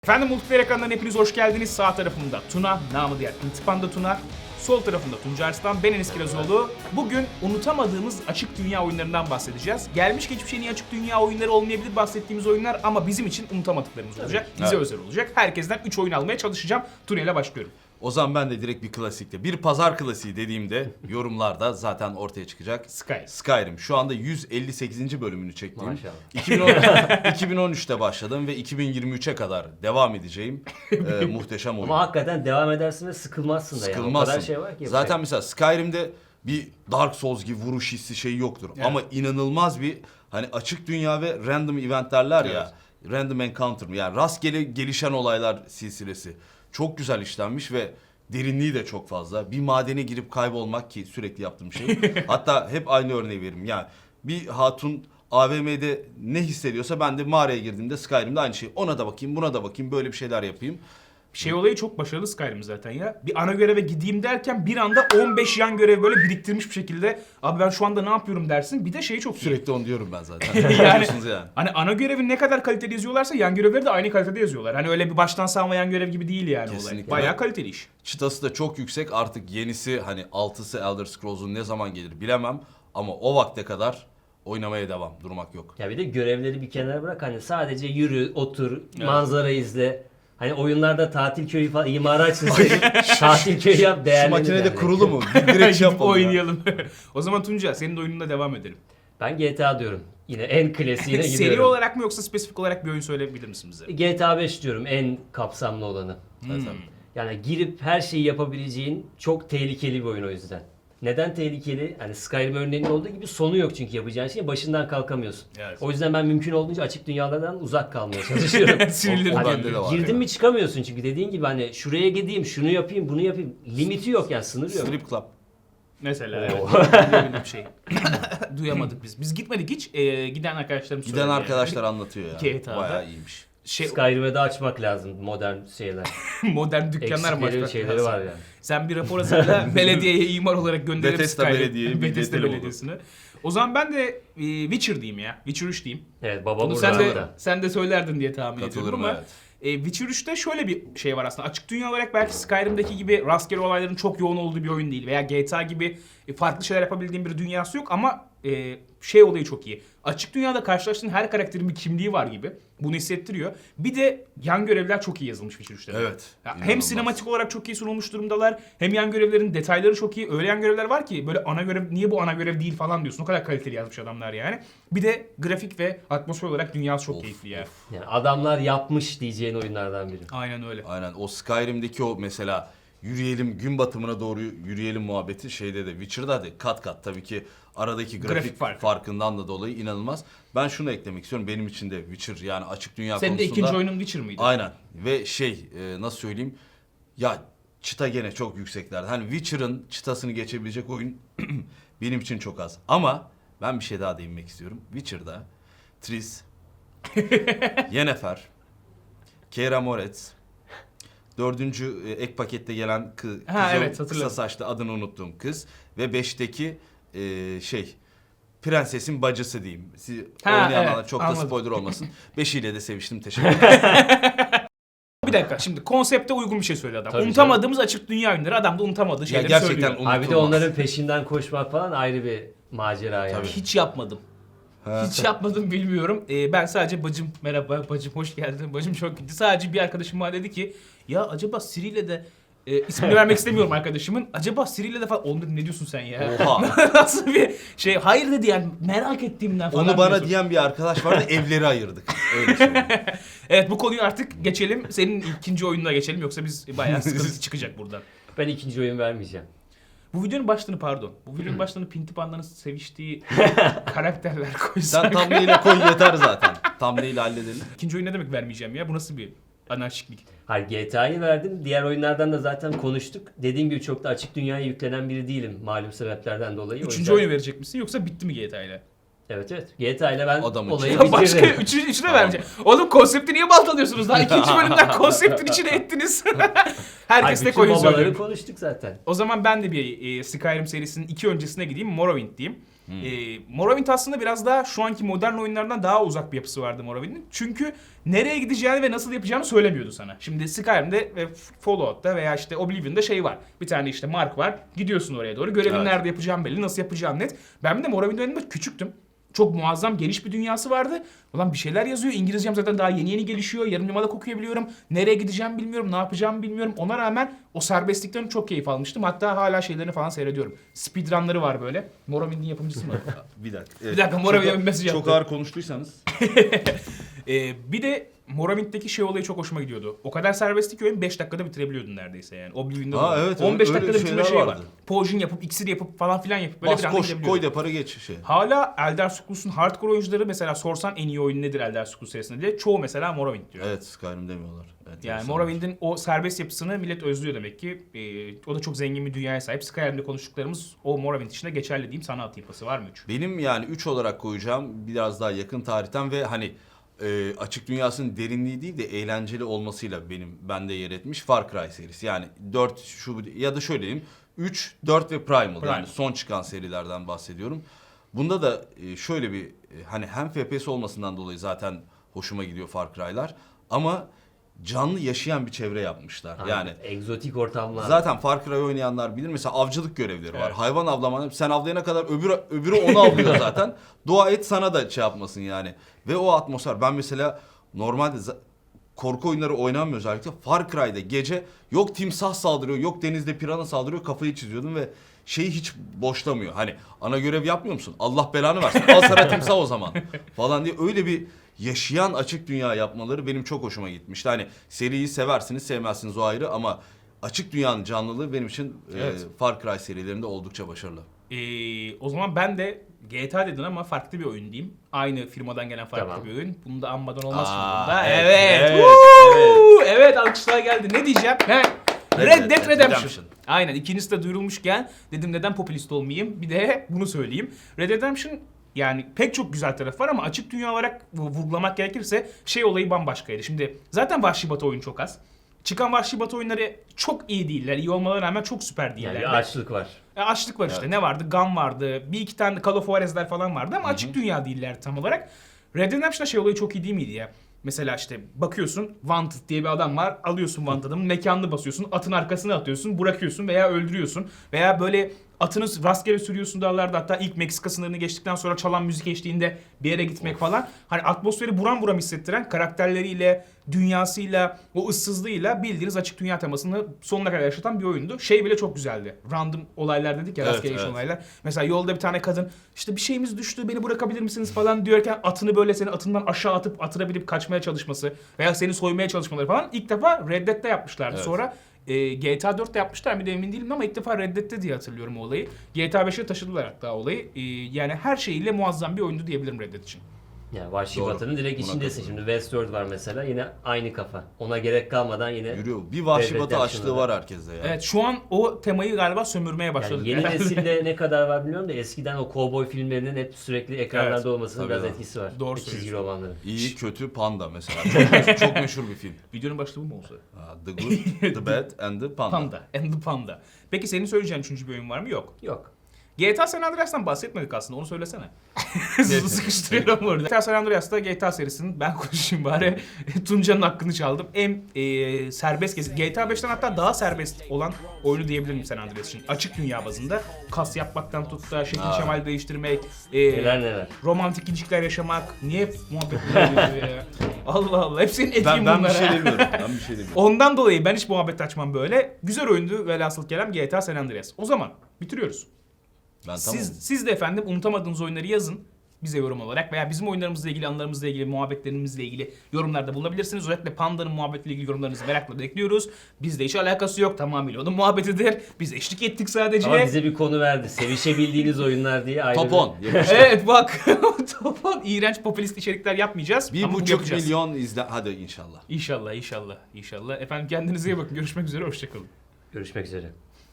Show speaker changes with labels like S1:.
S1: Efendim Multiplayer ekranlarına hepiniz hoş geldiniz. Sağ tarafımda Tuna, namı diğer İntipanda Tuna. Sol tarafında Tunca Arslan, ben Enes Kirazoğlu. Bugün unutamadığımız açık dünya oyunlarından bahsedeceğiz. Gelmiş geçmiş en iyi açık dünya oyunları olmayabilir bahsettiğimiz oyunlar ama bizim için unutamadıklarımız olacak. Bize özel olacak. Herkesten 3 oyun almaya çalışacağım. Tuna ile başlıyorum.
S2: O zaman ben de direkt bir klasikle. Bir pazar klasiği dediğimde yorumlarda zaten ortaya çıkacak. Skyrim. Şu anda 158. bölümünü çektim.
S3: Maşallah.
S2: 2013'te başladım ve 2023'e kadar devam edeceğim. Muhteşem oyun.
S3: Ama hakikaten devam edersin ve sıkılmazsın da
S2: Sıkılmazsın.
S3: yani. O kadar şey var ki.
S2: Zaten mesela Skyrim'de bir Dark Souls gibi vuruş hissi şey yoktur.
S1: Evet.
S2: Ama inanılmaz bir hani açık dünya ve random event derler ya. Random encounter mı? Yani rastgele gelişen olaylar silsilesi. Çok güzel işlenmiş ve derinliği de çok fazla. Bir madene girip kaybolmak ki sürekli yaptığım şey. Hatta hep aynı örneği veririm. Yani bir hatun AVM'de ne hissediyorsa ben de mağaraya girdiğimde Skyrim'de aynı şey. Ona da bakayım, buna da bakayım, böyle bir şeyler yapayım.
S1: Şey olayı çok başarılı Skyrim zaten ya. Bir ana göreve gideyim derken bir anda 15 yan görev böyle biriktirmiş bir şekilde abi ben şu anda ne yapıyorum dersin. Bir de şeyi çok iyi.
S2: Sürekli onu diyorum ben zaten.
S1: yani,
S2: Biliyorsunuz yani.
S1: Hani ana görevi ne kadar kaliteli yazıyorlarsa yan görevleri de aynı kalitede yazıyorlar. Hani öyle bir baştan savma yan görev gibi değil yani olay.
S2: Kesinlikle.
S1: Bayağı kaliteli iş.
S2: Çıtası da çok yüksek. Artık yenisi hani 6'sı Elder Scrolls'un ne zaman gelir bilemem. Ama o vakte kadar oynamaya devam. Durmak yok.
S3: Ya bir de görevleri bir kenara bırak, hani sadece yürü, otur, manzara izle. Hani oyunlarda tatil köyü falan imara açılsın. Tatil köyü yap,
S2: Şu
S3: değerlendir.
S2: makinede
S3: yani.
S2: kurulu mu? Bir direkt şey
S1: Gidip
S2: yapalım ya.
S1: oynayalım. O zaman Tunca senin de oyununa devam edelim.
S3: Ben GTA diyorum. Yine en klasiğine
S1: Seri
S3: gidiyorum.
S1: olarak mı yoksa spesifik olarak bir oyun söyleyebilir misin bize?
S3: GTA 5 diyorum, en kapsamlı olanı.
S2: Zaten.
S3: Yani girip her şeyi yapabileceğin çok tehlikeli bir oyun o yüzden. Neden tehlikeli? Hani Skyrim örneğinin olduğu gibi sonu yok çünkü yapacağın şey, başından kalkamıyorsun.
S1: Evet.
S3: O yüzden ben mümkün olduğunca açık dünyalardan uzak kalmaya çalışıyorum.
S1: Sinirlerim
S2: O bende
S1: geliyor.
S2: de var.
S3: Girdin mi çıkamıyorsun çünkü dediğin gibi hani şuraya gideyim, şunu yapayım, bunu yapayım. Limiti yok yani, sınırı yok.
S2: Strip Club.
S1: Mesela
S3: Oo.
S1: evet. Böyle bir şey. Duyamadık biz. Biz gitmedik hiç. Giden arkadaşlarım
S2: Giden
S1: söyledi
S2: arkadaşlar anlatıyor ya.
S1: GTA'da.
S2: Bayağı iyiymiş.
S1: Şey,
S3: Skyrim'e de açmak lazım modern şeyler.
S1: modern dükkanlar mı
S3: Eksikleri
S1: açmak
S3: şeyleri
S1: lazım?
S3: var yani.
S1: Sen bir rapor hazırla belediyeye imar olarak gönderelim
S2: Bethesda
S1: Skyrim.
S2: Belediye'ye bir
S1: Bethesda
S2: getirelim
S1: Belediyesi'ne. O zaman ben de Witcher diyeyim ya. Witcher 3 diyeyim.
S3: Evet, baba
S1: Bunu
S3: burada.
S1: sen de söylerdin diye tahmin ediyorum
S2: Katılırım,
S1: ama
S2: evet.
S1: Witcher 3'te şöyle bir şey var aslında. Açık dünya olarak belki Skyrim'deki gibi rastgele olayların çok yoğun olduğu bir oyun değil. Veya GTA gibi farklı şeyler yapabildiğin bir dünyası yok ama şey olayı çok iyi. Açık dünyada karşılaştığın her karakterin bir kimliği var gibi. Bunu hissettiriyor. Bir de yan görevler çok iyi yazılmış Witcher 3'te.
S2: Evet.
S1: Ya hem
S2: İnanılmaz.
S1: sinematik olarak çok iyi sunulmuş durumdalar. Hem yan görevlerin detayları çok iyi. Öyle yan görevler var ki böyle ana görev niye bu ana görev değil falan diyorsun. O kadar kaliteli yazmış adamlar yani. Bir de grafik ve atmosfer olarak dünyası çok keyifli ya.
S3: Yani adamlar yapmış diyeceğin oyunlardan biri.
S1: Aynen öyle.
S2: Aynen. O Skyrim'deki o mesela yürüyelim, gün batımına doğru yürüyelim muhabbeti şeyde de Witcher'da da kat kat tabii ki aradaki grafik farkından da dolayı inanılmaz. Ben şunu eklemek istiyorum. Benim için de Witcher yani açık dünya
S1: Senin
S2: konusunda.
S1: de ikinci oyunun Witcher mıydı?
S2: Aynen. Ve nasıl söyleyeyim? Ya çıta gene çok yükseklerde. Hani Witcher'ın çıtasını geçebilecek oyun benim için çok az. Ama ben bir şey daha değinmek istiyorum. Witcher'da Triss, Yennefer, Keira Moretz, dördüncü ek pakette gelen kız,
S1: evet,
S2: kısa
S1: hatırladım.
S2: saçlı adını unuttuğum kız ve 5'teki prensesin bacısı diyeyim. Oynayanlar
S1: evet,
S2: çok
S1: anladım.
S2: da spoiler olmasın. 5'iyle de seviştim. Teşekkür ederim.
S1: Bir dakika şimdi konsepte uygun bir şey söyledi adam.
S3: Tabii
S1: Unutamadığımız açık dünya oyunları adam da unutamadığı şeyleri
S2: gerçekten
S1: söylüyor.
S3: Abi bir de onların peşinden koşmak falan ayrı bir macera yani.
S2: Tabii.
S1: Hiç yapmadım. Hiç yapmadım bilmiyorum. Ben sadece bacım merhaba bacım hoş geldin. Bacım çok gitti. Sadece bir arkadaşım bana dedi ki ya acaba Siri ile de ismini vermek istemiyorum arkadaşımın. Acaba Siri ile de falan oğlum dedim ne diyorsun sen ya?
S2: Oha.
S1: Nasıl bir şey? Hayır dedi yani merak ettiğimden falan.
S2: Onu bana
S1: diyorsun.
S2: diyen bir arkadaş vardı, evleri ayırdık. Öyle söyleyeyim.
S1: Evet bu konuyu artık geçelim. Senin ikinci oyununa geçelim yoksa biz bayağı sıkıntı çıkacak buradan.
S3: Ben ikinci oyun vermeyeceğim.
S1: Bu videonun başlığını pardon. Bu videonun başlığını Pinti Panda'nın seviştiği karakterler
S2: Sen
S1: koysak.
S2: thumbnail'e koy yeter zaten. Thumbnail'i halledelim.
S1: İkinci oyun ne demek vermeyeceğim ya? Bu nasıl bir anarşiklik?
S3: Hayır, GTA'yı verdim. Diğer oyunlardan da zaten konuştuk. Dediğim gibi çok da açık dünyaya yüklenen biri değilim malum sebeplerden dolayı. O
S1: Üçüncü
S3: yüzden-
S1: oyunu verecek misin yoksa bitti mi GTA ile?
S3: Evet. GTA ile ben
S2: Adamın
S3: olayı
S2: içine-
S1: Başka
S3: bitirdim.
S1: üçüne
S2: Tamam.
S1: vermeyeceğim. Oğlum konsepti niye baltalıyorsunuz? Daha ikinci bölümden konseptin içine ettiniz. Herkes
S3: Ay,
S1: de
S3: bütün
S1: koyun
S3: babaları
S1: söylüyor.
S3: konuştuk zaten.
S1: O zaman ben de bir Skyrim serisinin iki öncesine gideyim. Morrowind diyeyim. Morrowind aslında biraz daha şu anki modern oyunlardan daha uzak bir yapısı vardı Morrowind'in. Çünkü nereye gideceğini ve nasıl yapacağını söylemiyordu sana. Şimdi Skyrim'de ve Fallout'ta veya işte Oblivion'da şey var. Bir tane işte mark var. Gidiyorsun oraya doğru. Görevin
S2: Evet.
S1: nerede yapacağın belli, nasıl yapacağın net. Ben bir de Morrowind oyununda küçüktüm. Çok muazzam geniş bir dünyası vardı. Ulan bir şeyler yazıyor. İngilizcem zaten daha yeni gelişiyor. Yarım yamalak okuyabiliyorum. Nereye gideceğimi bilmiyorum. Ne yapacağımı bilmiyorum. Ona rağmen o serbestlikten çok keyif almıştım. Hatta hala şeylerini falan seyrediyorum. Speedrunları var böyle. Morrowind'in yapımcısı mı?
S2: Bir dakika.
S1: Bir dakika, Morrowind'e bir mesaj
S2: Çok
S1: yaptı.
S2: ağır konuştuysanız.
S1: Bir de Morrowind'deki şey olayı çok hoşuma gidiyordu. O kadar serbestlik ki oyun 5 dakikada bitirebiliyordun neredeyse yani. Oblivion'da da
S2: Ha,
S1: var.
S2: evet,
S1: 15
S2: öyle
S1: dakikada bitirme
S2: şeyler
S1: şeyi var.
S2: vardı.
S1: Potion yapıp, iksir yapıp falan filan yapıp böyle
S2: Bas
S1: bir anda
S2: koş
S1: gidebiliyordun.
S2: koy depara geç şey.
S1: Hala Elder Scrolls'un hardcore oyuncuları mesela sorsan en iyi oyun nedir Elder Scrolls serisinde diye çoğu mesela Morrowind diyor.
S2: Evet, Skyrim demiyorlar. Evet,
S1: Yani
S2: insanlar.
S1: Morrowind'in o serbest yapısını millet özlüyor demek ki. O da çok zengin bir dünyaya sahip. Skyrim'de konuştuklarımız o Morrowind içinde geçerli diyeyim. Sanat yapısı var mı 3?
S2: Benim yani 3 olarak koyacağım biraz daha yakın tarihten ve hani açık dünyasının derinliği değil de eğlenceli olmasıyla bende yer etmiş Far Cry serisi. Yani 4 şu ya da şöyle diyeyim 3, 4 ve Primal yani son çıkan serilerden bahsediyorum. Bunda da şöyle bir hani hem FPS olmasından dolayı zaten hoşuma gidiyor Far Cry'lar ama canlı yaşayan bir çevre yapmışlar.
S3: Aynen.
S2: Yani
S3: Egzotik ortamlar.
S2: zaten Far Cry oynayanlar bilir. Mesela avcılık görevleri var.
S1: Evet.
S2: Hayvan avlama. Sen avlayana kadar öbürü onu avlıyor zaten. Dua et sana da şey yapmasın yani. Ve o atmosfer. Ben mesela normalde korku oyunları oynamıyor özellikle. Far Cry'da gece yok timsah saldırıyor, yok denizde pirana saldırıyor. Kafayı çiziyordum ve şeyi hiç boşlamıyor. Hani ana görev yapmıyor musun? Allah belanı versin. Al sana timsah o zaman. Falan diye öyle bir yaşayan açık dünya yapmaları benim çok hoşuma gitmişti. Hani seriyi seversiniz sevmezsiniz o ayrı ama açık dünyanın canlılığı benim için
S1: Evet.
S2: Far Cry serilerinde oldukça başarılı.
S1: O zaman ben de GTA dedin ama farklı bir oyun diyeyim. Aynı firmadan gelen farklı
S3: Tamam.
S1: bir oyun. Bunu da anmadan olmaz şimdi
S2: Aa,
S1: bunda.
S2: evet,
S1: Evet.
S2: evet,
S1: Woo! Evet, alkışlar geldi. Ne diyeceğim? Red Dead Redemption. Aynen, ikincisi de duyurulmuşken dedim neden popülist olmayayım. Bir de bunu söyleyeyim. Red Dead Redemption yani pek çok güzel tarafı var ama açık dünya olarak vurgulamak gerekirse şey olayı bambaşkaydı. Şimdi zaten Vahşi Batı oyunu çok az. Çıkan Vahşi Batı oyunları çok iyi değiller. İyi olmalarına rağmen çok süper değiller.
S3: Yani bir açlık var.
S1: Açlık var işte.
S2: Evet.
S1: Ne vardı? Gun vardı. Bir iki tane de Call of Juarez'ler falan vardı ama açık dünya değiller tam olarak. Red Dead Redemption'da şey olayı çok iyi değil miydi ya? Mesela işte bakıyorsun Wanted diye bir adam var. Alıyorsun Wanted adamın mekanını basıyorsun. Atın arkasına atıyorsun. Bırakıyorsun veya öldürüyorsun. Veya böyle atını rastgele sürüyorsun dağlarda. Hatta ilk Meksika sınırını geçtikten sonra çalan müzik eşliğinde bir yere gitmek falan. Hani atmosferi buram buram hissettiren karakterleriyle, dünyasıyla, o ıssızlığıyla bildiğiniz açık dünya temasını sonuna kadar yaşatan bir oyundu. Şey bile çok güzeldi. Random olaylar dedik ya,
S2: Evet,
S1: rastgele
S2: evet.
S1: olaylar. Mesela yolda bir tane kadın işte bir şeyimiz düştü beni bırakabilir misiniz falan diyorken atını böyle seni atından aşağı atıp atına binip kaçmaya çalışması veya seni soymaya çalışmaları falan ilk defa Red Dead'de yapmışlardı.
S2: Evet.
S1: Sonra GTA 4'te yapmışlar mı emin değilim ama ilk defa Red Dead'de diye hatırlıyorum o olayı. GTA 5'e taşıdılar hatta olayı. Yani her şeyiyle muazzam bir oyundu diyebilirim Red Dead için.
S3: Yani Vahşi
S2: Doğru.
S3: Batı'nın direkt
S2: Buna
S3: içindesin.
S2: katılıyorum.
S3: Şimdi Westworld var mesela, yine aynı kafa. Ona gerek kalmadan yine
S2: Yürüyor. Bir Vahşi
S3: Red
S2: Batı
S3: Dead
S2: açlığı
S3: Redemption'da.
S2: var herkeste ya.
S1: Evet, şu an o temayı galiba sömürmeye başladık.
S3: yani yeni
S1: herhalde.
S3: nesilde ne kadar var bilmiyorum da eskiden o kovboy filmlerinin hep sürekli ekranlarda
S1: Evet,
S3: olmasının
S2: tabii
S3: biraz
S2: ya.
S3: etkisi var.
S1: Doğru
S3: O çizgi
S1: söylüyorsun.
S3: romanları.
S2: İyi, kötü, Panda mesela. Çok meşhur, çok meşhur bir film.
S1: Videonun başlığı bu mu olsa?
S2: The Good, The Bad and the Panda.
S1: Panda. And the Panda. Peki senin söyleyeceğin üçüncü bir oyun var mı? Yok.
S3: Yok.
S1: GTA San Andreas'tan bahsetmedik aslında, onu söylesene. Sıkıştırıyorum orada. GTA San Andreas'ta GTA serisinin, ben konuşayım bari, Tunca'nın hakkını çaldım. En serbest GTA 5'ten hatta daha serbest olan oyunu diyebilirim San Andreas için. Açık dünya bazında. Kas yapmaktan tut da şekil şemal değiştirmek,
S3: Neler neler.
S1: romantik ilişkiler yaşamak. Niye hep muhabbet oluyor ya? Allah Allah. Hep senin etkin
S2: Ben
S1: bunlar.
S2: bir şey
S1: ha.
S2: demiyorum. Ben bir şey demiyorum.
S1: Ondan dolayı ben hiç muhabbet açmam böyle. Güzel oyundu velhasıl kelam GTA San Andreas. O zaman bitiriyoruz.
S2: Ben tamam.
S1: Siz de efendim unutamadığınız oyunları yazın bize yorum olarak veya bizim oyunlarımızla ilgili, anılarımızla ilgili, muhabbetlerimizle ilgili yorumlarda bulunabilirsiniz. Özellikle Panda'nın muhabbetiyle ilgili yorumlarınızı merakla bekliyoruz. Bizde hiç alakası yok, tamamıyla onun muhabbetidir. Biz eşlik ettik sadece.
S3: Ama bize bir konu verdi. Sevişebildiğiniz oyunlar diye ayrı
S2: Top
S3: bir-
S2: 10. Yapıştır.
S1: Evet bak, topal iğrenç popülist içerikler yapmayacağız. Ama bunu
S2: 1,5
S1: yapacağız.
S2: milyon izle. Hadi inşallah.
S1: İnşallah, inşallah, inşallah. Efendim kendinize iyi bakın. Görüşmek üzere, hoşçakalın.
S3: Görüşmek üzere.